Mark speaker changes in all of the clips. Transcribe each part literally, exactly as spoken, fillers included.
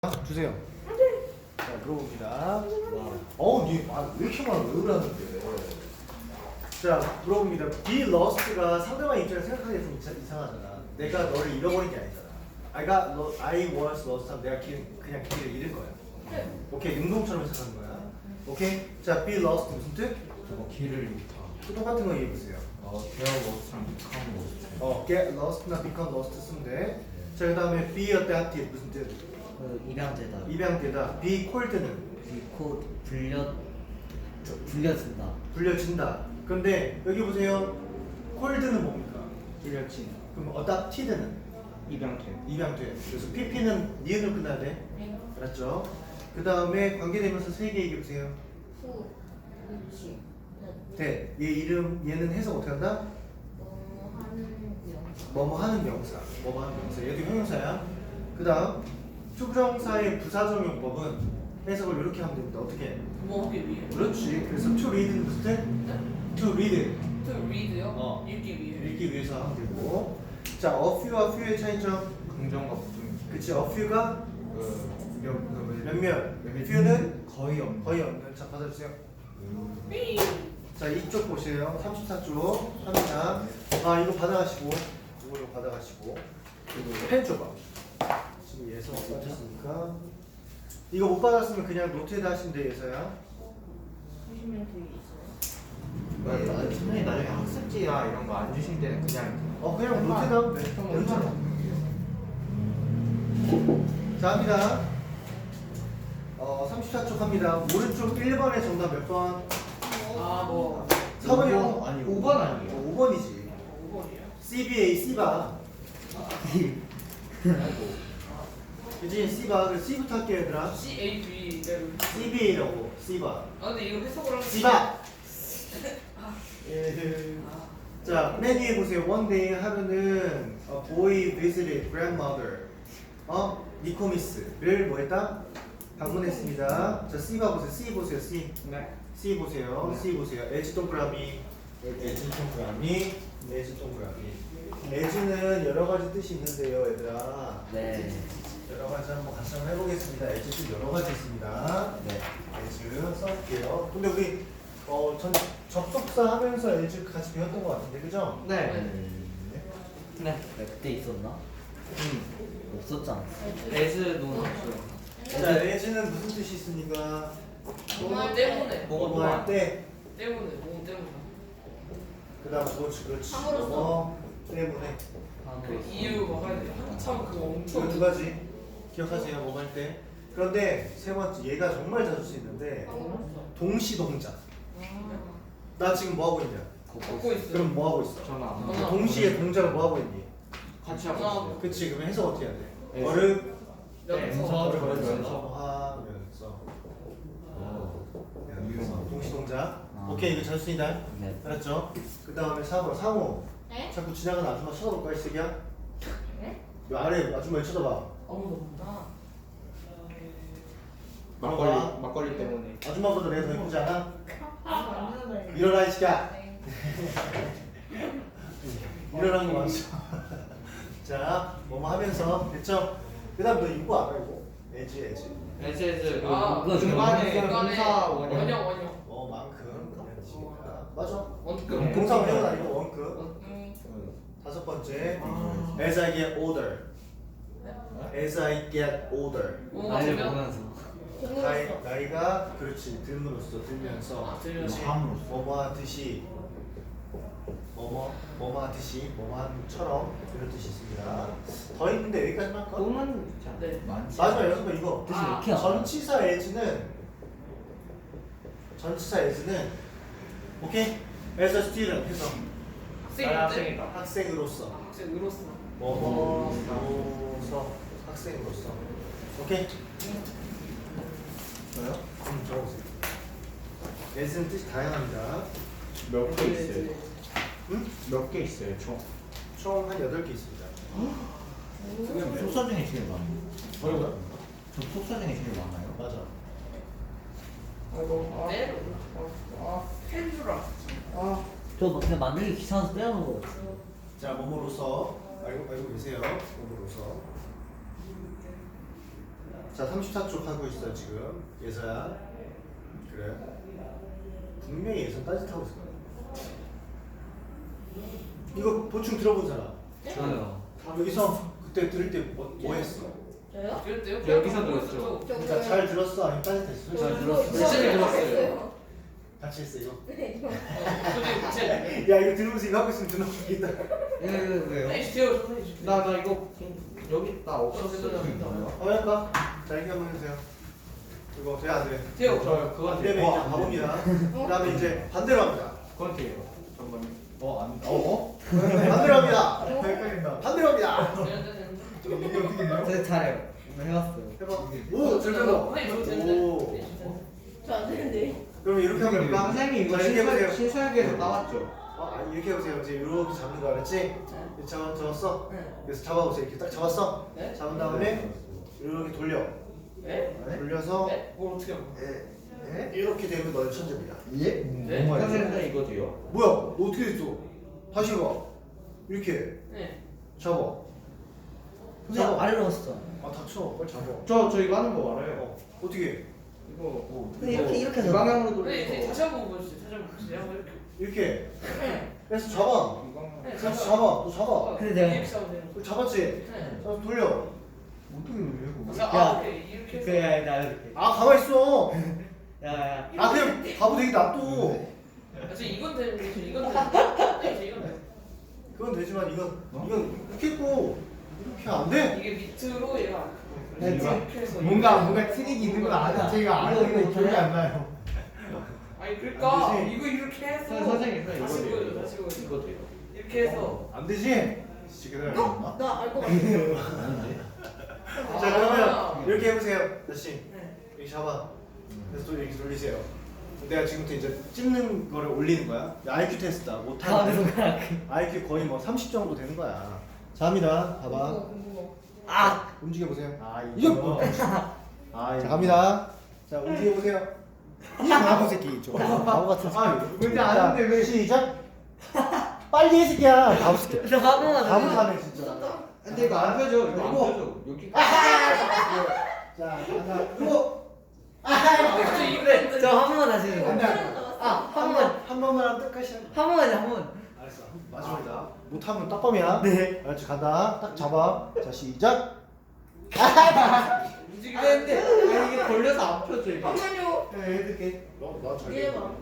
Speaker 1: 주세요. 자, 물어봅니다. 어우, 니, 아, 왜 이렇게 많아? 왜 그러는데? 자, 물어봅니다. Be lost가 상대방 입장에서 생각하기에 좀 이상- 이상하잖아. 내가 너를 잃어버린 게 아니잖아. I got lo- I was lost 하면 내가 길, 그냥 길을 잃은 거야. 오케이, 능동처럼 해석하는 거야. 오케이? 자, be lost 무슨 뜻?
Speaker 2: 저거 길을 잃다.
Speaker 1: 또 똑같은 거 얘기해보세요.
Speaker 2: 어, get lost랑 become lost.
Speaker 1: 어, get lost나 become lost 쓰면 돼. 자, 그 다음에 be adapted 무슨 뜻?
Speaker 3: 그 입양되다.
Speaker 1: 입양되다. be called는
Speaker 3: 비코 불려 저, 불려진다.
Speaker 1: 불려진다. 근데 여기 보세요. 콜드는 뭡니까? 불려진. 그럼 어답티드는
Speaker 2: 입양돼.
Speaker 1: 입양돼. 그래서 피피는 니은으로 끝나야 돼. 알았죠? 그 다음에 관계되면서 세 개 얘기해 보세요.
Speaker 4: 후, 그치.
Speaker 1: 대. 얘 이름 얘는 해석 어떻게 한다?
Speaker 4: 뭐 하는 명사.
Speaker 1: 뭐뭐 하는 명사. 뭐뭐 하는 명사. 얘도 형용사야. 그 다음 투부정사의 부사적 용법은 해석을 이렇게 하면 됩니다. 어떻게?
Speaker 5: 뭐 하기 위해?
Speaker 1: 그렇지. 그래서 to read는 무슨 뜻? to read.
Speaker 5: To read요?
Speaker 1: 어.
Speaker 5: 읽기 위해.
Speaker 1: 읽기 위해서 하면 되고. 자, a few와 few의 차이점.
Speaker 2: 긍정과 부정.
Speaker 1: 그치, a few가
Speaker 2: 그
Speaker 1: 몇, 그 몇몇, few는
Speaker 2: 거의 없는.
Speaker 1: 거의 없는. 자, 받아주세요. 자, 이쪽 보세요. 삼십사 쪽 합니다. 아, 이거 받아가시고, 이거 이거 받아가시고, 그리고 펜 줘봐. 지금 예서 못 받았으니까. 이거 못 받았으면 그냥 노트에다 하시면 돼, 예서야.
Speaker 4: 보시면 되게 있어요.
Speaker 2: 네, 나- 선생님 나중에 학습지나 이런 거 안 주실 때는 그냥
Speaker 1: 어, 그냥 노트에다 하면 돼. 괜찮아. 자, 합니다. 어, 삼십사 쪽 합니다. 오른쪽 일 번의 정답 몇 번?
Speaker 5: 아, 뭐.
Speaker 1: 사 번이
Speaker 2: 오 번 아니고
Speaker 1: 오 번 아니에요? 오 번이지.
Speaker 5: 오 번이야?
Speaker 1: 씨비에이, C바. 유진 C바. 그래서 C부터 할게요, 얘들아.
Speaker 5: C A B 대로.
Speaker 1: 씨비에이라고, C바.
Speaker 5: 아, 근데 이거 해석을 하면.
Speaker 1: C바! 예. 자, 맨 위에 보세요. One day 하면은 a boy visited grandmother. 어? 니코미스를 뭐 했다? 방문했습니다. 자, C바 보세요. C 보세요. C.
Speaker 2: 네.
Speaker 1: C 보세요.
Speaker 2: 네.
Speaker 1: C 보세요. 에지 동그라미. 에지 동그라미. 에지 동그라미. 에지는 여러 가지 뜻이 있는데요, 얘들아.
Speaker 3: 네.
Speaker 1: 여러 가지 한번 같이 한번 해보겠습니다. 에지 뜻 여러 가지 있습니다.
Speaker 3: 네.
Speaker 1: 에즈 써볼게요. 근데 우리 어, 전 접속사 하면서 에즈 같이 배웠던 것 같은데, 그죠?
Speaker 2: 네.
Speaker 1: 네.
Speaker 3: 네. 그때 있었나?
Speaker 1: 음.
Speaker 3: 없었잖아.
Speaker 2: 에즈도 없어요.
Speaker 1: 자, 에즈는 무슨 뜻이 있으니까
Speaker 5: 뭐 때문에.
Speaker 1: 뭐뭐 할 때,
Speaker 5: 때문에. 뭐 때문에.
Speaker 1: 그다음 그렇지, 그렇지.
Speaker 4: 함으로써.
Speaker 1: 뭐 때문에.
Speaker 5: 그 이유가 한 한참 그거 엄청.
Speaker 1: 이거 두 가지 기억하세요. 뭐 할 때. 그런데 세 번째, 얘가 정말 자주 쓰이는데 동시 동작. 나 지금 뭐 하고 있냐?
Speaker 5: 걷고 있어.
Speaker 1: 그럼 뭐 하고 있어?
Speaker 2: 전화 안
Speaker 5: 전화.
Speaker 2: 받아요.
Speaker 1: 동시에 동작을 뭐 하고 있니?
Speaker 2: 같이 하고
Speaker 5: 전화.
Speaker 2: 있어요.
Speaker 1: 그치, 그러면 해석 어떻게 해야 돼?
Speaker 2: 네.
Speaker 1: 어를
Speaker 5: 연서.
Speaker 2: 연서.
Speaker 1: 걸으면서 하면서 하면서 동시 동작.
Speaker 3: 아.
Speaker 1: 오케이, 이거 잘 쓰인다.
Speaker 3: 네.
Speaker 1: 알았죠? 그 다음에 사 번 상호.
Speaker 4: 네?
Speaker 1: 자꾸 지나가는 아줌마 쳐다볼까 이 새끼야?
Speaker 4: 네?
Speaker 1: 요 아래 아줌마 쳐다봐.
Speaker 5: 아무도.
Speaker 4: 아,
Speaker 2: 막걸리
Speaker 1: 들어가.
Speaker 2: 막걸리 때문에.
Speaker 1: 아줌마보다 내가 더 예쁘지 않아?
Speaker 4: 아, 안 되는
Speaker 1: 일어나 이 새끼야.
Speaker 4: 네.
Speaker 1: 일어나는 거 맞죠? 자, 뭐뭐 하면서 됐죠? 그 다음 너 이거 알아 이거? 에지 에지.
Speaker 2: 에즈 에즈.
Speaker 5: 아,
Speaker 2: 그 중간에
Speaker 5: 중간에
Speaker 2: 동사 원형.
Speaker 5: 원형 원형.
Speaker 1: 어, 만큼. 에지니까. 맞아.
Speaker 5: 원급.
Speaker 2: 네.
Speaker 1: 동사 원형은 아니고 원급.
Speaker 5: 음.
Speaker 1: 다섯 번째.
Speaker 2: 아.
Speaker 1: As I get older. As I get older.
Speaker 5: 오,
Speaker 3: 나를
Speaker 5: 맞으면?
Speaker 3: 보면서.
Speaker 1: 나이, 나이가 그렇지 들므로써 들면서
Speaker 5: 아, 들면서.
Speaker 1: 그렇지.
Speaker 2: 함으로써.
Speaker 1: 뭐뭐 하듯이 뭐뭐 뭐뭐 하듯이 뭐뭐 한처럼 이런 뜻이 있습니다. 더 있는데 여기까지만 할까?
Speaker 2: 또는
Speaker 5: 네.
Speaker 2: 많지.
Speaker 1: 마지막 여섯 번 이거.
Speaker 3: 뜻이
Speaker 5: 아,
Speaker 3: 왜 이렇게 안
Speaker 1: 전치사 as는 전치사 as는 오케이? as a student 해서
Speaker 5: 학생인데?
Speaker 2: 학생이다.
Speaker 1: 학생으로서
Speaker 5: 학생으로서.
Speaker 1: 뭐뭐로서 학생으로서 오케이? 저요? 음, 적어보세요. as는 뜻이 다양합니다.
Speaker 2: 몇 개 있어요?
Speaker 1: 응?
Speaker 2: 몇 개 있어요 총?
Speaker 1: 총 한 여덟 개 있습니다.
Speaker 3: 속사 중에 제일 많아요.
Speaker 1: 뭐라고요?
Speaker 3: 저 속사 중에 제일 많아요.
Speaker 1: 맞아.
Speaker 2: 아이고.
Speaker 5: 때로. 아, 펜주라. 아.
Speaker 3: 저 그냥 만들기 귀찮아서 떼어놓은 거 같아요.
Speaker 1: 자, 뭐뭐로서 알고 알고 계세요. 뭐뭐로서. 자 삼십사 쪽 하고 있어 지금 예서야. 그래. 분명히 예서 따뜻하고 있을 거야. 이거 보충 들어본 사람.
Speaker 3: 저요.
Speaker 1: 여기서 그때 들을 때 뭐 뭐 했어?
Speaker 4: 저요?
Speaker 5: 그랬대요?
Speaker 3: 여기서 들었죠.
Speaker 1: 그러니까 잘 들었어 아니면 따뜻했어?
Speaker 3: 잘 들었어요.
Speaker 5: 열심히 들었어요.
Speaker 1: 같이 했어 이거.
Speaker 4: 네, 저.
Speaker 5: 선생님 제
Speaker 1: 야 이거 들으면서 이거 하고 있으면 눈 아프겠다.
Speaker 3: 왜 왜요?
Speaker 5: 에이치티오 선생님 주세요.
Speaker 2: 나 나 이거 여기 나 없었어.
Speaker 1: 한번 할까? 자 이렇게 한번 해주세요. 이거 돼 안 돼?
Speaker 5: 태호
Speaker 2: 저 그거
Speaker 1: 안 되면 이제 가봅니다. 그다음에 이제 반대로 합니다.
Speaker 2: 그건 돼요. 잠깐만요.
Speaker 1: 어 안. 어? 반대로 합니다.
Speaker 2: 헷갈린다.
Speaker 1: 반대로 합니다.
Speaker 2: 이게 어떻게 돼요?
Speaker 3: 저 잘해요. 오늘 해봤어요.
Speaker 1: 해봐. 오, 잘 된다.
Speaker 5: 선생님 저 되는데.
Speaker 1: 오.
Speaker 4: 저안 되는데.
Speaker 1: 그럼 이렇게 하면 될까?
Speaker 2: 선생님 이거
Speaker 1: 자, 이렇게 해보세요.
Speaker 2: 신설 신설계에서 나왔죠.
Speaker 1: 어, 아니, 이렇게 해보세요. 이제 이렇게 잡는 거 알았지? 잡, 잡았어?
Speaker 5: 네.
Speaker 1: 그래서 잡아보세요. 이렇게 딱 잡았어?
Speaker 5: 네?
Speaker 1: 잡은 다음에 이렇게 돌려.
Speaker 5: 네?
Speaker 1: 돌려서
Speaker 5: 네? 뭘 어떻게 하고?
Speaker 1: 이렇게 되면 너의 천재입니다.
Speaker 2: 예?
Speaker 5: 네?
Speaker 2: 선생님 이거 돼요?
Speaker 1: 뭐야? 너 어떻게 됐어? 다시 해봐. 이렇게
Speaker 5: 네.
Speaker 1: 잡아.
Speaker 3: 선생님 아래로 왔어.
Speaker 1: 아 닥쳐. 빨리 잡아.
Speaker 2: 저 저 이거 하는 거 알아요.
Speaker 1: 어, 어떻게 해?
Speaker 2: 이거 뭐
Speaker 3: 근데 이렇게 이렇게 해서.
Speaker 2: 이 방향으로
Speaker 5: 네,
Speaker 2: 돌려서
Speaker 5: 이제 다시 한번 보여주세요. 다시 한번 보여주세요. 한번 이렇게.
Speaker 1: 이렇게.
Speaker 5: 네.
Speaker 1: 그래서 잡아.
Speaker 2: 이 방향.
Speaker 5: 네,
Speaker 1: 그래서 잡아. 너 잡아.
Speaker 3: 근데 내가-
Speaker 5: 이렇게 잡으면 돼요.
Speaker 1: 그 잡았지?
Speaker 5: 네.
Speaker 1: 자, 돌려.
Speaker 2: 어떻게 돌려요?
Speaker 5: 자,
Speaker 3: 야.
Speaker 5: 아, 오케이. 이렇게 해서.
Speaker 3: 그래 나 이렇게.
Speaker 1: 아 가만 있어.
Speaker 3: 야야.
Speaker 1: 아 그냥 바보 되게 놔둬.
Speaker 5: 아, 저 이건 되는데 저 이건 되는데. 네, 저 이건 돼.
Speaker 1: 그건 되지만 이건 이건 이렇게 있고 이렇게 안 돼.
Speaker 5: 이게 밑으로 얘가
Speaker 3: 네,
Speaker 5: 그래서
Speaker 3: 지-
Speaker 5: 이렇게 해서
Speaker 2: 뭔가
Speaker 5: 이렇게
Speaker 2: 뭔가
Speaker 5: 해서
Speaker 2: 트릭이 있는 건
Speaker 5: 뭔가
Speaker 2: 아는
Speaker 3: 이거,
Speaker 2: 제가
Speaker 3: 이거
Speaker 2: 아는데
Speaker 3: 있잖아요.
Speaker 2: 기억이 안 나요.
Speaker 5: 아니 그러니까
Speaker 1: 안 되지.
Speaker 5: 이거 이렇게 해서
Speaker 2: 선생님 이거
Speaker 5: 다시
Speaker 2: 돼요.
Speaker 5: 보여줘 다시 보여줘
Speaker 2: 이거 돼요.
Speaker 5: 이렇게 해서
Speaker 1: 안 되지. 지금
Speaker 4: 어? 나알 것 같아.
Speaker 1: 자 그러면 이렇게 해보세요, 다시
Speaker 5: 네.
Speaker 1: 이렇게 잡아. 그래서 또 이렇게 돌리세요. 내가 지금부터 이제 찝는 거를 올리는 거야. 아이큐 테스트다.
Speaker 3: 다음에
Speaker 1: 못하는
Speaker 3: 손가락.
Speaker 1: 아이큐 거의 뭐 삼십 정도 되는 거야. 자 합니다. 봐봐.
Speaker 4: 궁금해.
Speaker 3: 아.
Speaker 1: 움직여 보세요.
Speaker 2: 아
Speaker 1: 이거
Speaker 2: 이거.
Speaker 1: 뭐?
Speaker 2: 아
Speaker 1: 자 갑니다. 자 움직여 보세요. 이 바보 새끼 좀 바보 같은 새끼.
Speaker 2: 아 뭔지 아는데 왜?
Speaker 1: 시작. 빨리 해 새끼야. 바보 새끼.
Speaker 3: 저 화면만
Speaker 1: 바보
Speaker 3: 더.
Speaker 1: 타네 진짜.
Speaker 2: 근데 이거 안 펴져. 이거 안
Speaker 1: 이거.
Speaker 2: 펴져. 여기.
Speaker 1: 자 하나 이거.
Speaker 5: 저 이거
Speaker 3: 저 한 번만 다시 해주세요.
Speaker 1: 안 돼.
Speaker 3: 아, 한
Speaker 1: 한
Speaker 3: 번.
Speaker 1: 번, 한 번만 하면 끝까지 한
Speaker 3: 한 번만요, 한 번.
Speaker 1: 알았어. 마지막이다. 못하면 딱밤이야.
Speaker 3: 네.
Speaker 1: 알았지? 간다. 딱 잡아. 자, 시작.
Speaker 5: 움직이는데
Speaker 2: 아니 이게 걸려서 안 펴져 이게.
Speaker 4: 잠깐만요.
Speaker 2: 네, 이렇게.
Speaker 1: 너, 나잘
Speaker 4: 이게 봐.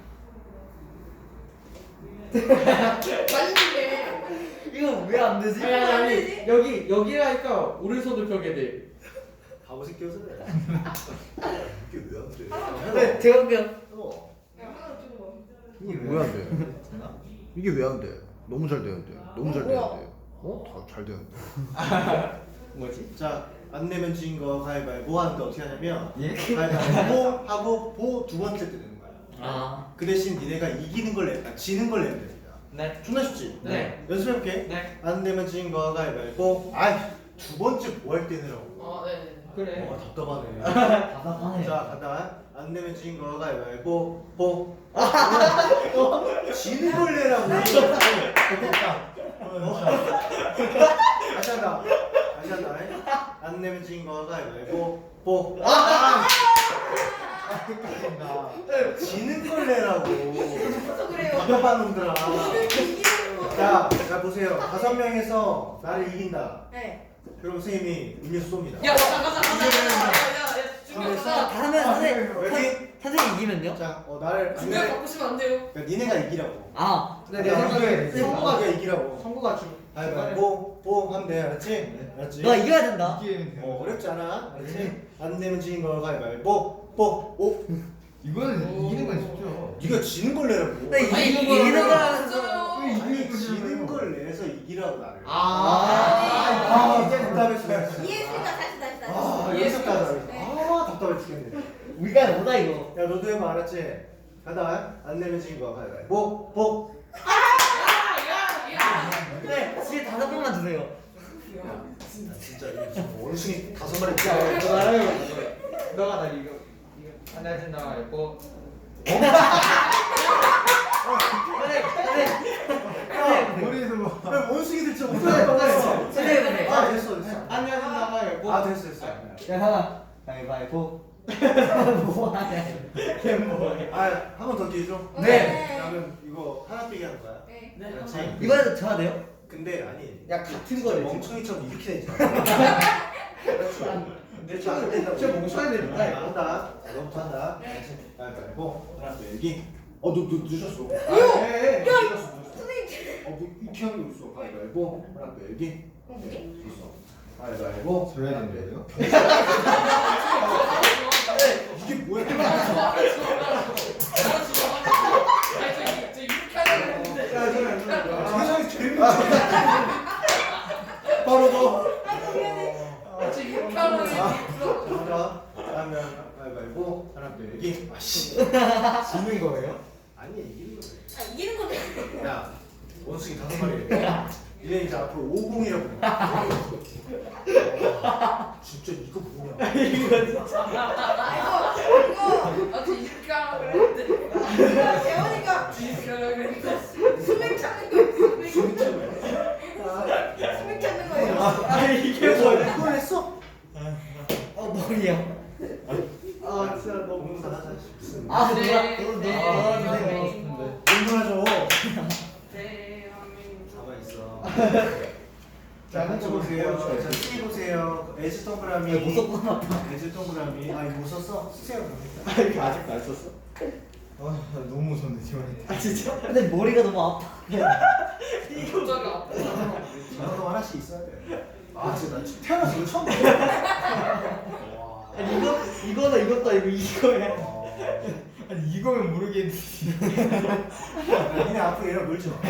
Speaker 3: 이거 왜 안 되지?
Speaker 2: 아니 아니 아니 여기 여기라니까 오른손을 펴게 돼.
Speaker 1: 바보 새끼여서 그래. 이게 왜 안 돼?
Speaker 3: 네, 제가 할게요.
Speaker 1: 해봐.
Speaker 4: 하나 찍어봐.
Speaker 1: 이게 왜 안 돼? 이게 왜 안 돼? 너무 잘 되는데. 너무 잘
Speaker 4: 어, 뭐야?
Speaker 1: 되는데. 어? 다 잘 되는데.
Speaker 2: 뭐지?
Speaker 1: 자, 안 내면 진 거 가위바위보 하는데 어떻게 하냐면
Speaker 2: 예?
Speaker 1: 가위바위보 하고 보 두 번째 때 되는 거야.
Speaker 3: 아.
Speaker 1: 그 대신 니네가 이기는 걸 내, 아, 지는 걸 내면 됩니다.
Speaker 2: 네.
Speaker 1: 존나 쉽지?
Speaker 2: 네.
Speaker 1: 연습해볼게.
Speaker 2: 네.
Speaker 1: 안 내면 진 거 가위바위보. 아이, 두 번째 뭐 할 때 내라고.
Speaker 5: 아 네네
Speaker 2: 그래.
Speaker 1: 어, 답답하네.
Speaker 3: 답답하네.
Speaker 1: 자, 간다. 안 내면 진 거 가위바위보. 보. 어, 지는 걸 내라고. 좋겠다. 다시 한다. 다시 한다. 안 내면 진 거 가위바위보. 보. 아! 헷갈린다. 지는 걸 내라고.
Speaker 4: 그래서 그래요.
Speaker 1: 답답한 놈들아.
Speaker 4: 이기는 거.
Speaker 1: 자, 자 보세요. 다섯 명에서 나를 이긴다.
Speaker 4: 네.
Speaker 1: 그럼 선생님이 음료수 쏩니다.
Speaker 5: 야 가자 가자 가자 야야야 중간
Speaker 1: 아,
Speaker 5: 가자
Speaker 3: 다음에 선생님,
Speaker 1: 왜?
Speaker 3: 선- 선생님 이기면요?
Speaker 1: 자, 어 나를 안
Speaker 5: 중간
Speaker 1: 내.
Speaker 5: 바꾸시면 안 돼요
Speaker 1: 그러니까 니네가 이기라고.
Speaker 3: 아.
Speaker 2: 근데 내 생각에
Speaker 1: 성우가 네가 이기라고.
Speaker 2: 성구가 주.
Speaker 1: 가위바위보 보 하면 돼. 알았지? 알았지?
Speaker 3: 너 이겨야 된다.
Speaker 2: 이기면
Speaker 1: 어 어렵지 않아. 알았지? 안 내면 지는 거 가위바위보 보. 오.
Speaker 2: 이거는 이기는 건 쉽죠.
Speaker 1: 네가 지는 걸 내라고.
Speaker 3: 나 이-
Speaker 5: 아니,
Speaker 3: 이기는
Speaker 5: 이거
Speaker 3: 거라면서.
Speaker 5: 진짜요.
Speaker 1: 아니 지는 걸 내서 이기라고 나를.
Speaker 2: 아.
Speaker 1: 아, 이제 답답했어.
Speaker 4: 이해했으니까 다시 다시 다시.
Speaker 1: 아,
Speaker 5: 이해했어.
Speaker 1: 이해했다.
Speaker 4: 네.
Speaker 1: 아, 답답해 죽겠네.
Speaker 3: 우리가 뭐다 이거.
Speaker 1: 야, 너도 해봐, 알았지? 가다. 안 내면 지는 거 가위바위보 보.
Speaker 5: 야야야
Speaker 3: 네, 집에 다섯 번만 주세요.
Speaker 1: 야, 진짜 이게 지금 원숭이 다섯 마리
Speaker 2: 야,
Speaker 1: 뛰어.
Speaker 2: 이거 나요. 너가 나 이거 이거 하나 진 나가 있고.
Speaker 3: 선생님, 선생님.
Speaker 2: 머리에서 뭐.
Speaker 1: 왜 원숭이들 진짜
Speaker 2: 네,
Speaker 1: 못하는 거
Speaker 2: 네.
Speaker 1: 같았어?
Speaker 3: 선생님, 선생님.
Speaker 1: 아, 됐어, 됐어.
Speaker 2: 하나 진 나가 있고.
Speaker 1: 아, 됐어, 됐어.
Speaker 3: 야, 하나. 가위바위보. 뭐하냐? 걔 뭐해?
Speaker 1: 아, 한 번 더 기회 줘.
Speaker 3: 네.
Speaker 1: 그러면 이거 하나 빼기 하는 거야.
Speaker 4: 네.
Speaker 5: 네.
Speaker 1: 그렇지.
Speaker 3: 이번에도 져야 돼요?
Speaker 1: 근데 아니.
Speaker 3: 야, 같은
Speaker 1: 진짜
Speaker 3: 거를
Speaker 1: 멍청이처럼 이렇게 되지 마. 그렇지.
Speaker 3: 내
Speaker 1: 자,
Speaker 3: 친구
Speaker 1: 일단
Speaker 3: 진짜
Speaker 1: 우리
Speaker 3: 멍청이들이다,
Speaker 1: 아,
Speaker 3: 이거.
Speaker 1: 한다. 너부터 한다. 가위바위보. 하나 빼기. 어, 너, 너 늦었어.
Speaker 3: 아, 예, 예.
Speaker 1: 늦었어, 늦었어.
Speaker 4: 선생님.
Speaker 1: 어, 뭐 이렇게 하는 거 있어. 가위바위보. 하나 빼기.
Speaker 4: 어, 뭐지?
Speaker 1: 있어. 가위바위보.
Speaker 2: 져야 되는데요?
Speaker 1: 이게 뭐야? 세상에 제일 바로 너. 하나, 그러면 가위바위보. 하나 빼기. 아씨.
Speaker 2: 지는 거예요?
Speaker 1: 아니 이기는 거네.
Speaker 4: 아, 이기는 건데.
Speaker 1: 야, 원숭이 다섯 마리. 이제 이제 앞으로 오공이라고. 진짜 이거 뭐냐?
Speaker 4: 아, 이거, 이거. 재원이가 수맥 찾는 거. 수맥 수맥 찾는 거예요.
Speaker 3: 아, 이게
Speaker 1: 그래서
Speaker 3: 뭐야?
Speaker 1: 이걸 했어?
Speaker 3: 어, 머리야.
Speaker 1: 아 진짜 너 공부 잘하자. 무슨
Speaker 3: 아,
Speaker 5: 네.
Speaker 3: 누가? 너, 너,
Speaker 5: 네.
Speaker 3: 너,
Speaker 5: 네.
Speaker 3: 선생님.
Speaker 1: 공부하죠.
Speaker 5: 네.
Speaker 1: 가만 있어. 자, 한쪽 보세요. 자, C 보세요. 에즈 동그라미.
Speaker 3: 야, 못 썼구나.
Speaker 1: 에즈 동그라미. 아, 이거 못 썼어? 쓰세요.
Speaker 2: 아 이거 아직도 안 썼어? 아 너무 무섭네 지원이.
Speaker 3: 아, 진짜? 근데 머리가 너무 아파.
Speaker 5: 갑자기 아프다.
Speaker 1: 저도 하나씩 있어야 돼. 아, 진짜 나 지금 태어나서 이거 처음 봤어. 와.
Speaker 3: 아니, 이거, 이거나 이것도 아니고 이거야.
Speaker 2: 아니 이거면 모르겠는데.
Speaker 1: 야, 니네 앞으로 얘랑 놀지 마.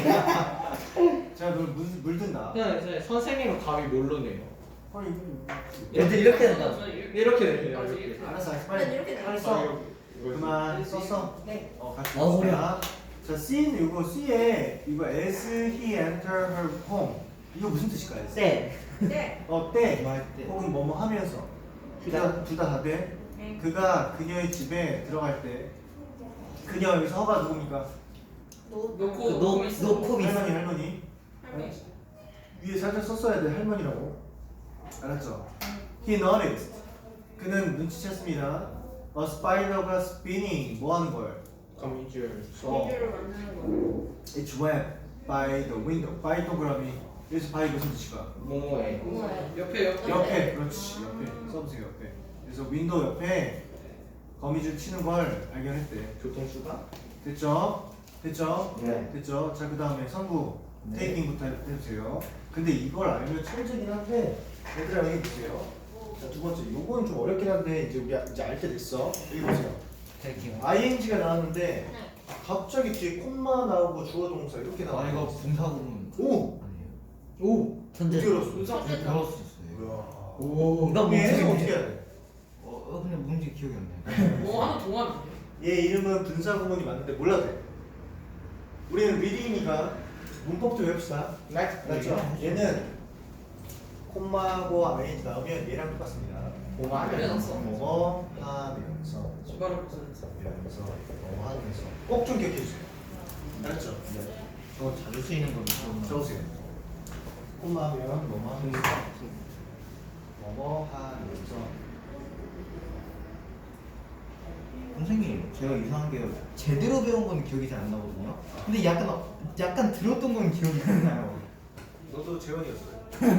Speaker 1: 제가 물, 물, 물든다.
Speaker 2: 그냥 이제 선생님은 감이 뭘로 내요?
Speaker 1: 아니,
Speaker 3: 얘들 이렇게 된다.
Speaker 2: 이렇게 내요 이렇게.
Speaker 1: 알았어, 알았어.
Speaker 4: 난
Speaker 1: 빨리.
Speaker 4: 이렇게
Speaker 1: 빨리
Speaker 4: 돼.
Speaker 1: 써. 그만 썼어.
Speaker 4: 네.
Speaker 1: 어, 같이
Speaker 3: 아, 허리야.
Speaker 1: 봅시다. 자, C는 이거 C에 이거 as he enter her home. 이거 무슨 뜻일까요?
Speaker 3: 네.
Speaker 4: 네.
Speaker 1: 어, 때.
Speaker 2: 뭐 할 때.
Speaker 1: 혹은 뭐뭐 하면서. 둘다둘다 다 돼.
Speaker 4: 네.
Speaker 1: 그가 그녀의 집에 들어갈 때 그녀 여기서 허가 누굽니까?
Speaker 4: 노.
Speaker 5: 놓고
Speaker 3: 그 노,
Speaker 5: 놓고 있어.
Speaker 3: 노콕 있어.
Speaker 1: 할머니 할머니.
Speaker 5: 할머니.
Speaker 1: 위에 살짝 썼어야 돼 할머니라고. 알았죠? He noticed. 그는 눈치챘습니다. A spider가 spinning. 뭐 하는 걸?
Speaker 2: 거미줄.
Speaker 4: 거미줄을 만드는 거.
Speaker 1: It's wet by the window. by 동그라미. 여기서 by 무슨 뜻일까?
Speaker 2: 뭐뭐해.
Speaker 4: 뭐예요?
Speaker 5: 옆에 옆에.
Speaker 1: 옆에. 그렇지. 옆에. 써보세요. 옆에. 그래서 윈도우 옆에 거미줄 치는 걸 발견했대.
Speaker 2: 교통수가?
Speaker 1: 됐죠? 됐죠?
Speaker 3: 네.
Speaker 1: 됐죠? 자, 그 다음에 선구
Speaker 3: 네.
Speaker 1: 테이핑부터 해주세요. 근데 이걸 알면 천재긴 한데 얘들아 여기 보세요. 자, 두 번째 요거는 좀 어렵긴 한데 이제 우리 이제 알 때 됐어. 여기 보세요.
Speaker 3: 되게.
Speaker 1: 아이엔지가 나왔는데
Speaker 4: 네.
Speaker 1: 갑자기 뒤에 콤마 나오고 주어 동사 이렇게 나와.
Speaker 2: 아 이거 분사구문.
Speaker 1: 오!
Speaker 2: 아니에요.
Speaker 1: 오!
Speaker 3: 천재.
Speaker 1: 어떻게 알았어?
Speaker 5: 분석.
Speaker 2: 배웠을 수 있어요.
Speaker 1: 뭐야?
Speaker 2: 오.
Speaker 3: 이거
Speaker 1: 얘 해석
Speaker 3: 뭔지
Speaker 1: 어떻게 해야 돼?
Speaker 2: 어, 어 근데 뭔지 기억이 안 나요.
Speaker 5: 뭐 하나 동안.
Speaker 1: 얘 이름은 분사 구문이 맞는데 몰라도 돼. 우리는 리딩이니까 문법도 외웁시다. 맞죠? 얘는 콤마하고 아이엔지 나오면 얘랑 똑같습니다.
Speaker 2: 뭐뭐
Speaker 5: 하면서.
Speaker 1: 뭐뭐 하면서
Speaker 5: 주바를 벗어냈어.
Speaker 1: 하면서 뭐 하면서 꼭 좀 기억해 주세요. 알았죠?
Speaker 2: 네. 저 자주 쓰이는 건 좀.
Speaker 1: 적으세요. 콤마 하면 뭐뭐 하면서 뭐뭐 하면서
Speaker 2: 선생님 제가 이상한 게 제대로 배운 건 기억이 잘 안 나거든요. 근데 약간 약간 들었던 건 기억이 안 나요.
Speaker 1: 너도 재원이었어요.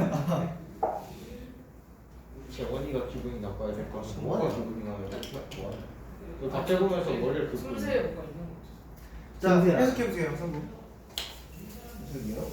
Speaker 2: 재원이가 기분이 나빠야 될 것 같아.
Speaker 1: 뭐하냐?
Speaker 2: 기분이 나빠야 될 것 같아. 그 갑자기 보면서 머리를 긁고.
Speaker 5: 숨새에 뭐가 있는 거.
Speaker 1: 자,
Speaker 3: 승수야.
Speaker 1: 해석해 보세요, 성구.
Speaker 2: 무슨요?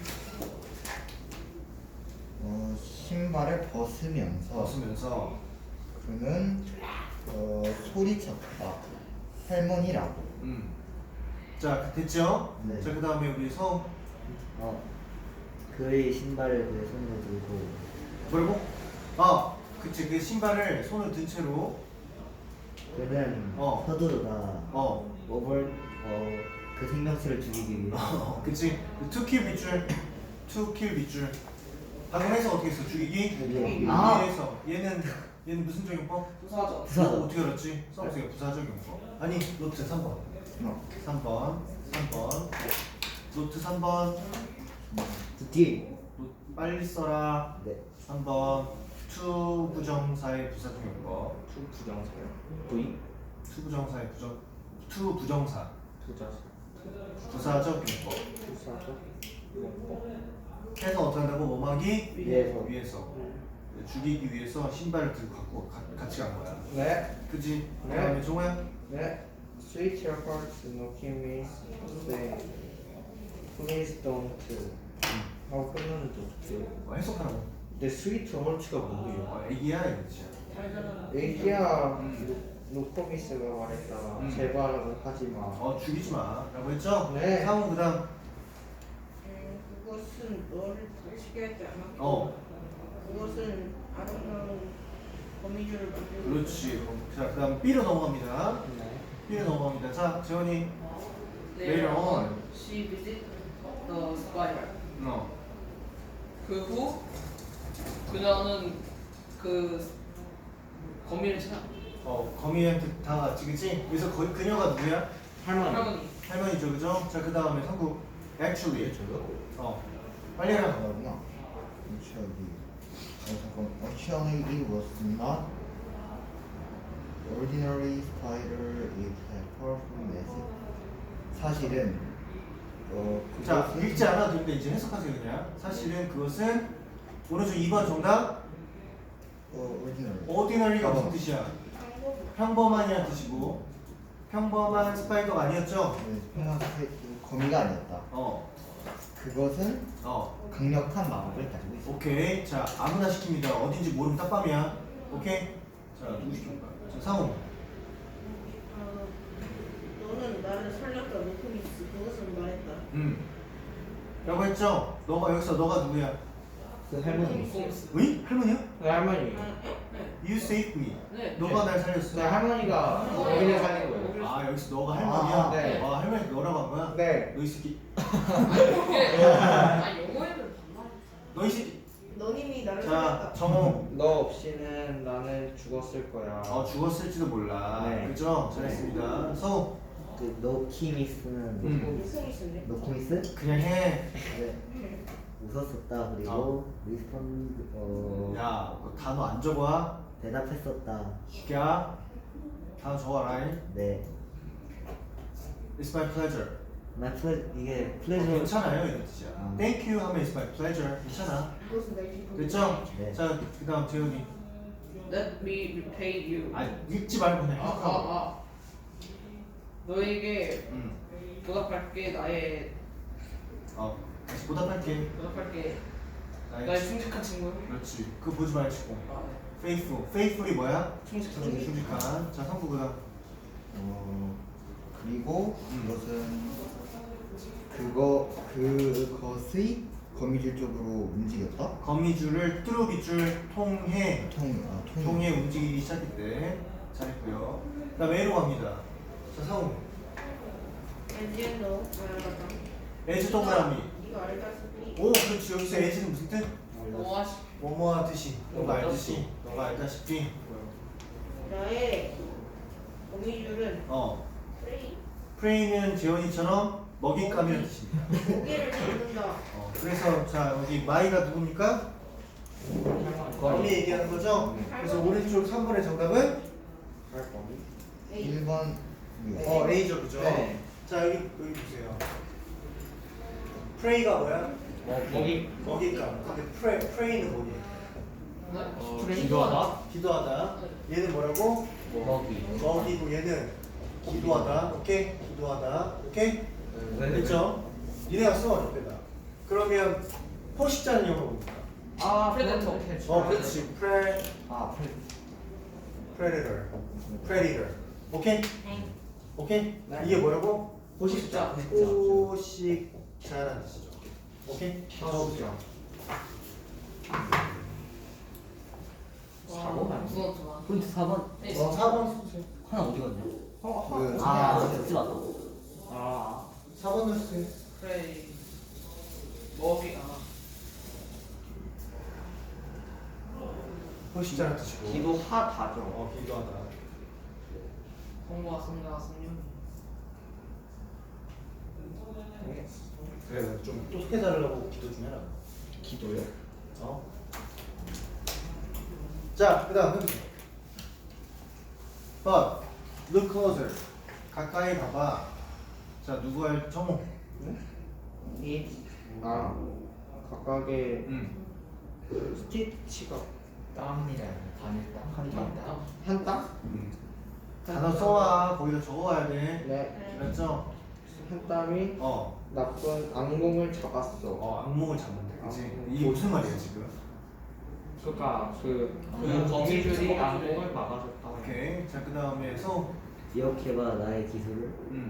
Speaker 2: 어 신발을 벗으면서
Speaker 1: 벗으면서
Speaker 2: 그는 어 소리쳤다. 할머니라고.
Speaker 1: 음. 자, 됐죠?
Speaker 3: 네.
Speaker 1: 자, 그 다음에 우리 성
Speaker 3: 어. 그의 신발을 그의 손으로 들고.
Speaker 1: 뭐라고? 아, 그치. 그 신발을 손을 든 채로
Speaker 3: 그는
Speaker 1: 어.
Speaker 3: 서두르다.
Speaker 1: 어,
Speaker 3: 오벌 어, 그 생명체를 죽이기 위해.
Speaker 1: 어 그치. 투킬 밑줄, 투킬 밑줄. 방금 해서 어떻게 했어? 죽이기?
Speaker 3: 죽이기.
Speaker 1: 아.
Speaker 3: 아.
Speaker 1: 해서 얘는 얘는 무슨 적용법?
Speaker 5: 부사죠.
Speaker 3: 부사죠.
Speaker 1: 너 어떻게 알았지? 써보세요. 부사 적용법. 아니, 노트 삼 번.
Speaker 2: 어.
Speaker 1: 삼 번, 삼 번. 노트 삼 번.
Speaker 3: 뒤.
Speaker 1: 노- 빨리 써라.
Speaker 3: 네.
Speaker 1: 삼 번. 투 부정사의 부사통용법.
Speaker 3: 투 부정사요. V
Speaker 1: 투 부정사의 부정 투 부정사
Speaker 3: 부자사
Speaker 1: 부사적 용법.
Speaker 3: 부사적 용법
Speaker 1: 해서 어떻게 한다고? 뭐하기
Speaker 3: 위에서.
Speaker 1: 위에서 죽이기 위해서 신발을 들고 갖고 가, 같이 간 거야.
Speaker 3: 네.
Speaker 1: 그지?
Speaker 3: 네.
Speaker 1: 그다음에 종호야.
Speaker 3: 네. Sweet your hearts, no me say please don't. 하고 끝나는 도
Speaker 1: 뭐 해석하라고.
Speaker 3: 근데 sweet hearts가 뭐예요?
Speaker 1: 어, 애기야 이거지.
Speaker 5: 잘 자라.
Speaker 3: 애기야
Speaker 1: 음.
Speaker 3: 노코미스가 말했잖아.
Speaker 1: 음.
Speaker 3: 제발 하지 마.
Speaker 1: 어 죽이지 마라고 했죠?
Speaker 3: 네.
Speaker 1: 상호 그다음.
Speaker 4: 음, 그것은 너를 다치게 하지 않았고
Speaker 1: 어
Speaker 4: 그것은 아름다운 거미줄을 만들고
Speaker 1: 그렇지. 자 그다음 B로 넘어갑니다.
Speaker 3: 네.
Speaker 1: B로 넘어갑니다. 자 재원이.
Speaker 5: Later
Speaker 1: Later on.
Speaker 5: on, she visited the spider.
Speaker 1: 어.
Speaker 5: 그 후 그녀는 그 거미를 찾아.
Speaker 1: 어 거미한테 다 같이 그치? 그래서 거, 그녀가 누구야?
Speaker 3: 할머니.
Speaker 5: 할머니.
Speaker 1: 할머니죠 그죠? 자 그 다음에 상구. Actually. 어 빨리 해라.
Speaker 2: 잠깐만요. Actually, 어, 잠깐. Actually, it was not ordinary spider. It had powerful magic. 사실은 어
Speaker 1: 자
Speaker 2: 그것은
Speaker 1: 읽지 않아도 되는데 이제 해석하세요 그냥. 사실은 그것은 오른쪽 이 번 정답.
Speaker 2: 어 ordinary.
Speaker 1: ordinary가 무슨
Speaker 2: 어.
Speaker 1: 뜻이야?
Speaker 4: 방법
Speaker 1: 평범한이란 뜻이고 평범한 스파이더가 아니었죠?
Speaker 2: 네, 평범한 새- 거미가 아니었다.
Speaker 1: 어
Speaker 2: 그것은
Speaker 1: 어.
Speaker 2: 강력한 마법을 가지고 있어.
Speaker 1: 오케이. 자 아무나 시킵니다. 어딘지 모르면 딱밤이야. 오케이. 자 누구 시킬까? 자 상호.
Speaker 4: 어, 너는 나를 살렸다 노코미스 그것은 말했다
Speaker 1: 음. 라고 했죠? 너가 여기서 너가 누구야?
Speaker 3: 그 할머니.
Speaker 5: 꼼스.
Speaker 1: 의? 할머니야?
Speaker 3: 그 할머니.
Speaker 4: 아,
Speaker 1: You saved me.
Speaker 5: 네.
Speaker 1: 너가 날
Speaker 3: 그
Speaker 1: 살렸어.
Speaker 3: 할머니가 거미를 살린 거예요.
Speaker 1: 아 여기서 너가 할머니야?
Speaker 3: 아, 네.
Speaker 1: 아 할머니 너라고 한 거야?
Speaker 3: 네.
Speaker 1: 너 이 새끼.
Speaker 5: 이게 아 영어에는 반말.
Speaker 1: 너 이 새끼.
Speaker 4: 너님이 나를
Speaker 1: 자
Speaker 4: 살렸다
Speaker 1: 정호.
Speaker 3: 너 없이는 나는 죽었을 거야.
Speaker 1: 어 죽었을지도 몰라.
Speaker 3: 네.
Speaker 1: 그죠? 잘했습니다. 서우.
Speaker 3: 그 노키미스는
Speaker 1: 음.
Speaker 4: 노코미스인데
Speaker 3: 노코미스?
Speaker 1: 그냥 해.
Speaker 3: 네. 웃었었다. 그리고
Speaker 1: 어.
Speaker 3: 리스폰 어
Speaker 1: 야, 그 단어 안 적어.
Speaker 3: 대답했었다.
Speaker 1: 죽야. 단어 적어라.
Speaker 3: 네.
Speaker 1: It's my pleasure.
Speaker 3: 나 플레 이게
Speaker 1: 어,
Speaker 3: 플레저.
Speaker 1: 괜찮아요 이런 뜻이야.
Speaker 3: 음.
Speaker 1: Thank you 하면 it's my pleasure. 괜찮아.
Speaker 4: 그것은 날 기쁘게
Speaker 1: 됐죠?
Speaker 3: 네.
Speaker 1: 자 그다음 재현이.
Speaker 5: Let me repay you.
Speaker 1: 아 읽지 말고 그냥
Speaker 5: 아,
Speaker 1: 해석하고.
Speaker 5: 아, 아. 너에게
Speaker 1: 음.
Speaker 5: 보답할게. 나의
Speaker 1: 어. 다시 보답할게.
Speaker 5: 보답할게.
Speaker 1: 나의
Speaker 5: 나의 충직한 친구.
Speaker 1: 그렇지. 그거 보지 말고.
Speaker 5: 아, 네.
Speaker 1: Faithful. Faithful이 뭐야?
Speaker 5: 충직한
Speaker 1: 충직,
Speaker 5: 친구.
Speaker 1: 충직한. 자 상부 그다음.
Speaker 2: 어 그리고
Speaker 1: 음.
Speaker 2: 그것은 그거 그것의 거미줄 쪽으로 움직였다.
Speaker 1: 거미줄을 뚜루비줄 통해
Speaker 2: 통 아, 통.
Speaker 1: 통해 움직이기 시작했대. 잘했고요. 그다음에 A로 갑니다. 자 상우.
Speaker 4: 엔지엔 너 알았다
Speaker 1: 에즈 동그라미.
Speaker 4: 네가 알다시피
Speaker 1: 오 그렇지. 여기서 에즈는 무슨 뜻?
Speaker 5: 뭐 하시?
Speaker 1: 뭐뭐 하듯이. 너가 알듯이. 너가 알다시피.
Speaker 4: 나의 거미줄은
Speaker 1: 어.
Speaker 4: 프레이
Speaker 1: 프레이는 재원이처럼 먹잇감이라는 뜻입니다.
Speaker 4: 고개를 잡는다
Speaker 1: 어, 그래서 자 여기 마이가 누굽니까? 거미 얘기하는 거죠? 그래서 오른쪽 삼 번의 정답은
Speaker 4: 에이
Speaker 2: 일 번
Speaker 1: 어 A죠 그죠?
Speaker 3: 네.
Speaker 1: 자 여기 여기 보세요. 프레이가 뭐야?
Speaker 3: 먹이.
Speaker 1: 먹잇감. 근데 프레 프레이는 뭐니?
Speaker 5: 네?
Speaker 3: 프레이. 기도하다?
Speaker 1: 기도하다. 얘는 뭐라고?
Speaker 3: 먹이.
Speaker 1: 먹이고 얘는 기도하다. 오케이? 기도하다. 오케이? 됐죠? 니네가 써 옆에다. 그러면 포식자는 영어로 뭡니까?
Speaker 3: 아
Speaker 5: 프레데터.
Speaker 1: 어 그렇지. 프레
Speaker 3: 아 프레.
Speaker 1: predator. predator. 오케이? 오케이?
Speaker 3: 네.
Speaker 1: 이게 뭐라고?
Speaker 5: 포식자.
Speaker 1: 포식자라는 뜻이죠. 오케이? 적어보세요.
Speaker 5: 사 번 무서웠지만.
Speaker 6: 포인트 사 번
Speaker 5: 네.
Speaker 1: 어, 사 번 쓰세요.
Speaker 6: 하나 어디 갔냐?
Speaker 2: 그
Speaker 6: 아, 쓰지 마.
Speaker 3: 아.
Speaker 1: 사 번을 쓰세요.
Speaker 5: 프레이. 먹이가.
Speaker 1: 포식자라는 뜻이고.
Speaker 3: 기도하다죠.
Speaker 1: 어, 기도하다.
Speaker 5: 성과 성가 성령.
Speaker 1: 그래, 좀 똑똑해달라고 기도 좀 해라.
Speaker 3: 기도요?
Speaker 1: 어? 자, 그 다음 해보세요. But look closer. 가까이 봐봐. 자, 누구 할 정호?
Speaker 3: 이, 아, 각각의
Speaker 1: 응.
Speaker 3: 스티치가
Speaker 2: 땀이라 단일 땀, 한 땀.
Speaker 3: 한 땅?
Speaker 1: 단어 써와. 거기다 적어와야 돼.
Speaker 3: 네,
Speaker 1: 알았죠?
Speaker 3: 한 땀이
Speaker 1: 어.
Speaker 3: 나쁜 악몽을 잡았어.
Speaker 1: 어, 악몽을 잡는데. 그치?
Speaker 3: 악몽.
Speaker 1: 이게 무슨 말이야, 지금?
Speaker 6: 그러니까 그, 그
Speaker 5: 그
Speaker 6: 거미줄이
Speaker 5: 거미줄.
Speaker 6: 악몽을 막아줬다.
Speaker 1: 오케이. 자, 그 다음에 서.
Speaker 3: 기억해봐 나의 기술을.
Speaker 1: 응.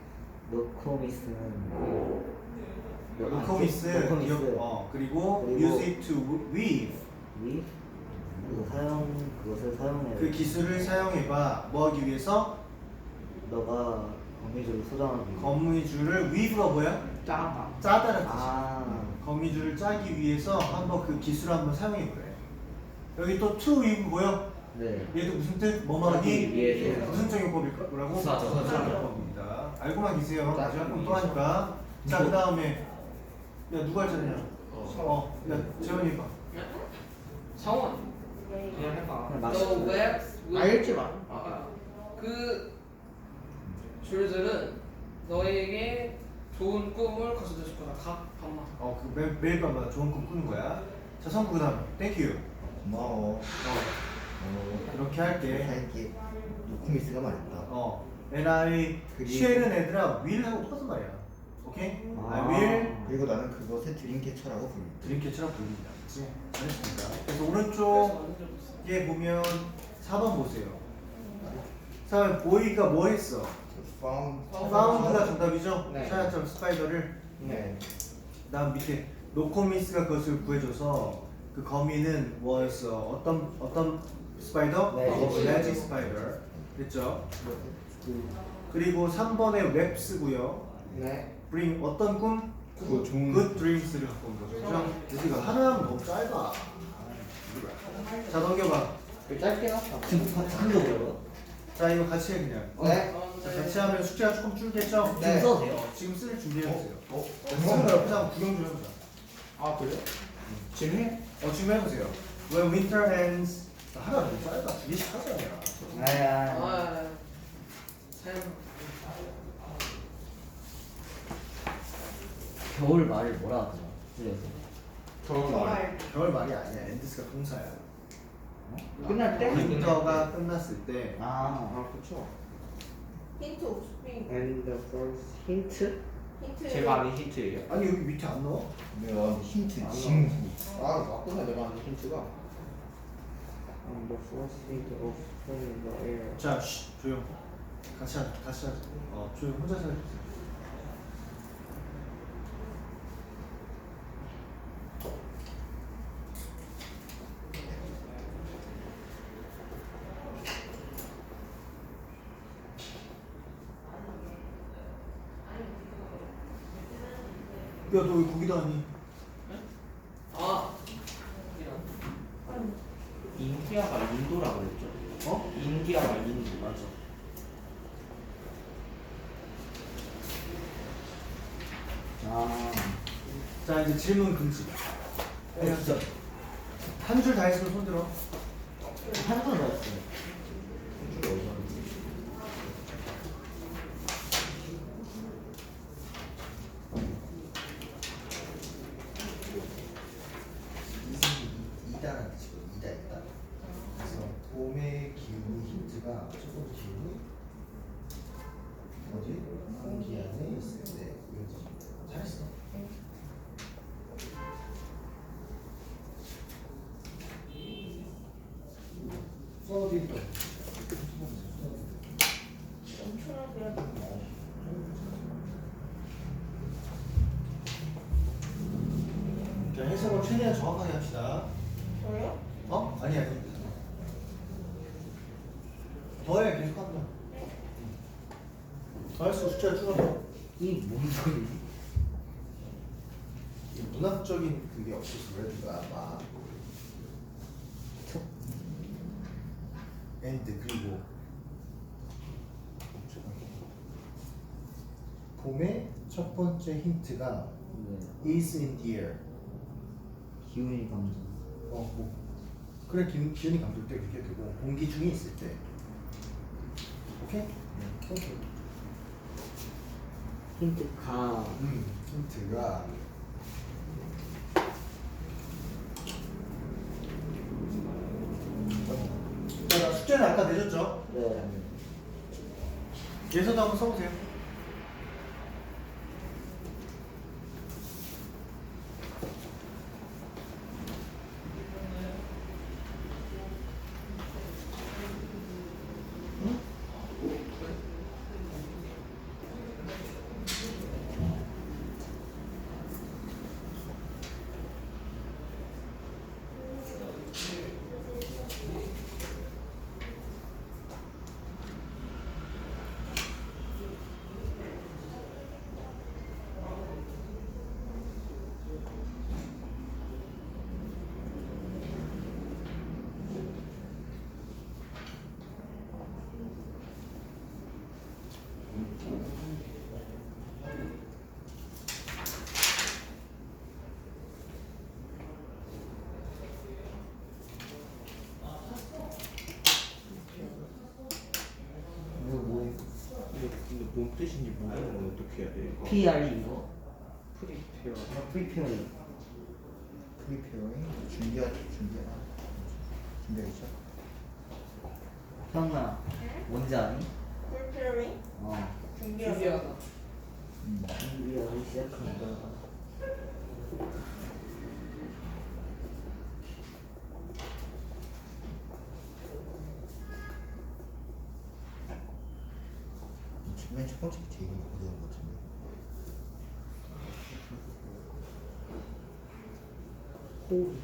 Speaker 3: 노코미스는
Speaker 1: 노코미스.
Speaker 3: 노코미스.
Speaker 1: 기억- 어, 그리고,
Speaker 3: 그리고
Speaker 1: use it to weave.
Speaker 3: 위 그거 사용 그것을 사용해.
Speaker 1: 그 기술을 사용해봐. 뭐 하기 위해서?
Speaker 3: 너가 거미줄을 소장하기 위해.
Speaker 1: 거미줄을 weave가 뭐야?
Speaker 6: 짜다.
Speaker 1: 짜다는 뜻이야.
Speaker 3: 아,
Speaker 1: 거미줄을 짜기 위해서 한번 그 기술을 한번 사용해보래. 여기 또 to weave 뭐야?
Speaker 3: 네.
Speaker 1: 얘도 무슨 뜻? 뭐뭐 하기
Speaker 3: 짜기 위해서.
Speaker 1: 무슨 정용법일까? 뭐라고?
Speaker 5: 부사죠.
Speaker 1: 부사정용법입니다. 알고만 계세요.
Speaker 3: 짜기
Speaker 1: 제가 그럼 또
Speaker 3: 위해서.
Speaker 1: 하니까. 자, 그 다음에 야 누가 할 차례냐? 어, 야 재원이 해봐.
Speaker 5: 성원.
Speaker 6: 그냥 해봐.
Speaker 3: 그냥
Speaker 5: The
Speaker 3: 마시고.
Speaker 5: webs will-
Speaker 3: 알지 마.
Speaker 5: 아, 아. 그 줄들은 너에게 좋은 꿈을 가져다 줄 거다. 각 밤마다.
Speaker 1: 어, 그 매, 매일 밤마다 좋은 꿈 꾸는 거야. 자, 성구 그 다음에 땡큐.
Speaker 2: 고마워.
Speaker 1: 어, 이렇게 할게.
Speaker 2: 할게. 노코미스가 말했다.
Speaker 1: 어, and I
Speaker 2: 그리고-
Speaker 1: 쉘은 애들아 will 하고 똑같은 말이야. 오케이? I
Speaker 3: 아.
Speaker 1: will
Speaker 2: 그리고 나는 그것을 드림캐쳐라고 부른다.
Speaker 1: 드림캐처럼 불린다. 그치? 잘했습니다. 그래서
Speaker 5: 그래서
Speaker 1: 오른쪽에
Speaker 5: 완전 좋았어.
Speaker 1: 보면 사 번 보세요. 사 번 보이가 뭐 했어?
Speaker 2: found.
Speaker 1: 파운드가 정답이죠?
Speaker 3: 네.
Speaker 1: 찾았죠 스파이더를.
Speaker 2: 네.
Speaker 1: 다음 밑에 노코미스가 그것을 구해줘서 그 거미는 뭐였어? 어떤 어떤 스파이더?
Speaker 3: 매직.
Speaker 1: 매직 스파이더. 됐죠? 그리고 삼 번에 웹스고요.
Speaker 3: 네.
Speaker 1: bring 어떤 꿈?
Speaker 2: 그거 좋은.
Speaker 1: good dreams를 갖고 온 거죠. 그죠? 우리가 하나하면 너무 짧아. 자 넘겨봐.
Speaker 3: 그 짧게 났다.
Speaker 2: 큰거 뭐라고?
Speaker 1: 자 이거 같이 해 그냥.
Speaker 3: 네.
Speaker 1: 자, 같이 하면 숙제가 조금 줄겠죠?
Speaker 3: 네.
Speaker 2: 써도 돼요?
Speaker 1: 어, 지금 쓸 준비해보세요.
Speaker 2: 어?
Speaker 1: 쓰는 거 옆에서 한번 구경 좀 해보자.
Speaker 3: 아 그래? 지금 해?
Speaker 1: 어 지금 해보세요. When winter ends. 하나 너무 짧아. 두 개씩 하자 그냥.
Speaker 3: 아야.
Speaker 5: 아, 사연.
Speaker 3: 겨울 말을 뭐라 하더라? 그래서
Speaker 6: 겨울
Speaker 1: 겨울 말이 아니야. 엔드스가 동사야.
Speaker 3: 끝날 때?
Speaker 1: 윈터가 끝났을 때.
Speaker 3: 아, 아 그쵸.
Speaker 4: 힌트 옥스프링
Speaker 3: And the first 힌트?
Speaker 4: 힌트
Speaker 6: 제가 아는 힌트예요.
Speaker 1: 아니 여기 밑에 안 넣어?
Speaker 2: 내가 힌트
Speaker 3: 안
Speaker 2: 징후.
Speaker 3: 아 맞구나 내가 아는 힌트가. And the first hint of spring in the air.
Speaker 1: 자, 쉬, 조용. 같이 하자. 같이 하자. 어, 조용. 혼자서 해주세요. 야, 너 왜 거기다 하니?
Speaker 5: 아, 이런.
Speaker 6: 인디아가 인도라고 그랬죠.
Speaker 1: 어?
Speaker 6: 인디아가 인도 맞아.
Speaker 3: 아,
Speaker 1: 자, 이제 질문 금지. 그냥 한 줄 다 했으면 손 들어.
Speaker 3: 한번 넣었어요.
Speaker 2: 이다라는 뜻이고 이다 있다. 그래서 봄의 기운이 힌트가 첫 번째 기운이 뭐지? 공기 안에 있을 때 이런 뜻입니다. 잘했어. 써드릴까?
Speaker 4: 엄청나게
Speaker 1: 자, 해석을 최대한 정확하게 합시다.
Speaker 4: 저요?
Speaker 1: 어? 아니, 아니. 더해, 계속 한다. 더 할수록 숫자가 줄어들어.
Speaker 3: 이뭔 소리?
Speaker 1: 이 문학적인 그게 없어서 그래, 누가 아마. 엔드, 그리고. 봄의 첫 번째 힌트가
Speaker 3: 네.
Speaker 1: is in the air.
Speaker 3: 기운이 감정.
Speaker 1: 어, 뭐. 그래 기, 기운이 감돌 때 그렇게 되고 공기 중에 있을 때. 오케이? 오케이.
Speaker 3: 힌트 가.
Speaker 1: 음, 힌트가 자, 나 숙제는 아까 내줬죠?
Speaker 3: 네.
Speaker 1: 예서도 한번 써보세요.
Speaker 3: 이거 뭐?
Speaker 6: 근데, 근데 뭔 뜻인지 모르는 건 어떻게 해야 돼? 이거?
Speaker 3: P R 이거?
Speaker 6: 프리페어.
Speaker 3: 프리페어링.
Speaker 2: 프리페어링 준비하 준비하 준비하겠죠?
Speaker 3: 형아, 뭔지 아니?
Speaker 4: 폴페어링
Speaker 3: 어.
Speaker 4: 준비하다.
Speaker 5: 준비하다.
Speaker 2: 음.
Speaker 3: 준비하기 시작한다.
Speaker 2: 맨 첫 번째 게 제일 어려운 것 같은데.
Speaker 3: 호.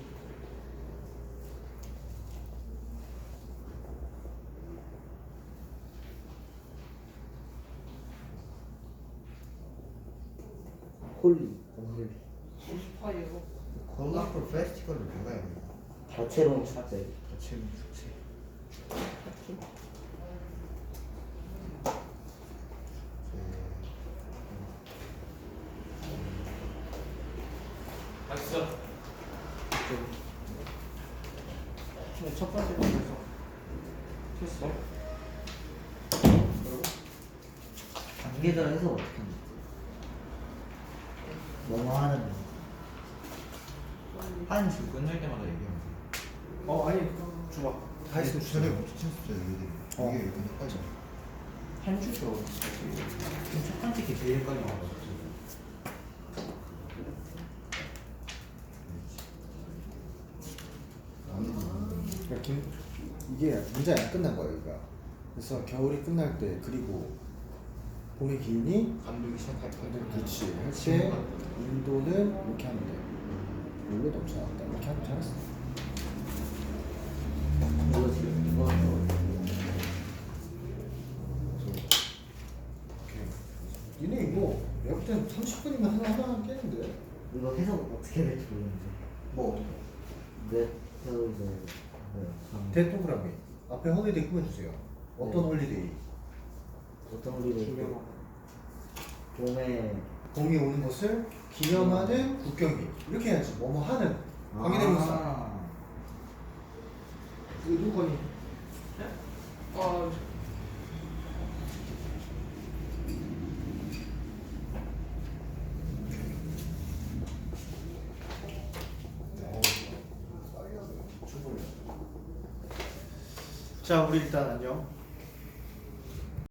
Speaker 3: 홀리. 홀리.
Speaker 5: 오십파이로.
Speaker 2: 콜라풀 페스티벌을 내가 해야 되나?
Speaker 3: 다채로운 축제.
Speaker 2: 다채로운 축제.
Speaker 5: 맛있어.
Speaker 6: 근데 첫 번째 거 했어. 했어?
Speaker 3: 단계별 해서 어떻게 하는 뭐뭐 하는 거.
Speaker 2: 한 줄 끝날 때마다 얘기하면 돼.
Speaker 1: 어, 아니, 줘봐. 다 했으면
Speaker 2: 주제를
Speaker 1: 주세요.
Speaker 2: 붙인 숫자 얘기해.
Speaker 1: 어.
Speaker 2: 이게 이렇게 헷갈려.
Speaker 6: 한 주죠.
Speaker 2: 지금 첫 번째 게 제일 헷갈려.
Speaker 1: 그러니까 김, 이게 문제가 안 끝난 거야, 여기가. 그래서 겨울이 끝날 때, 그리고 봄의 기운이
Speaker 2: 감독이 시작할 때.
Speaker 1: 그렇지. 할 때, 인도는 이렇게 하면 돼. 물로 넘쳐나온다. 이렇게 하면 잘했어.
Speaker 3: 이거 지금 이거
Speaker 1: 오케이. 니네 이거 내가 볼 때는 삼십 분이면 하나 하나 깨는데.
Speaker 3: 이거 해석 어떻게 될지 모르는데.
Speaker 2: 뭐
Speaker 3: 몇 해서 이제 네, 한
Speaker 1: 대동그라미 앞에 홀리데이 꾸며주세요. 어떤
Speaker 3: 네.
Speaker 1: 홀리데이?
Speaker 3: 어떤 우리를 봄에
Speaker 1: 봄이 오는 것을 기념하는 국경일. 이렇게 해야지. 뭐뭐 하는 관계대명사.
Speaker 3: 아,
Speaker 1: 이거 누구 거니?
Speaker 5: 아,
Speaker 1: 자, 우리 일단 안녕.